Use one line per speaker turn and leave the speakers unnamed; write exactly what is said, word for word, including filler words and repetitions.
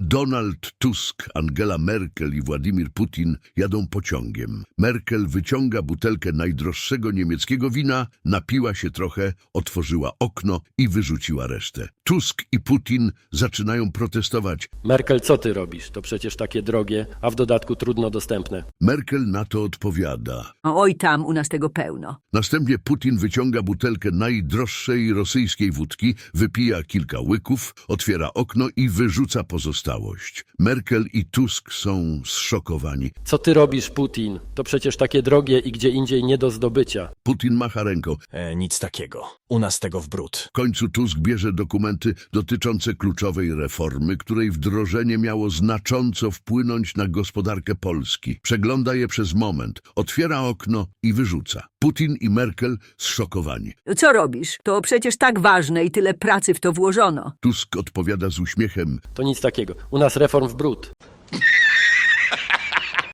Donald Tusk, Angela Merkel i Władimir Putin jadą pociągiem. Merkel wyciąga butelkę najdroższego niemieckiego wina, napiła się trochę, otworzyła okno i wyrzuciła resztę. Tusk i Putin zaczynają protestować.
Merkel, co ty robisz? To przecież takie drogie, a w dodatku trudno dostępne.
Merkel na to odpowiada.
Oj, tam u nas tego pełno.
Następnie Putin wyciąga butelkę najdroższej rosyjskiej wódki, wypija kilka łyków, otwiera okno i wyrzuca pozostałość. Merkel i Tusk są zszokowani.
Co ty robisz, Putin? To przecież takie drogie i gdzie indziej nie do zdobycia.
Putin macha ręką.
E, nic takiego. U nas tego w bród.
W końcu Tusk bierze dokumenty dotyczące kluczowej reformy, której wdrożenie miało znacząco wpłynąć na gospodarkę Polski. Przegląda je przez moment, otwiera okno i wyrzuca. Putin i Merkel zszokowani.
Co robisz? To przecież tak ważne i tyle pracy w to włożono.
Tusk odpowiada z uśmiechem.
To nic takiego. U nas reform w bród.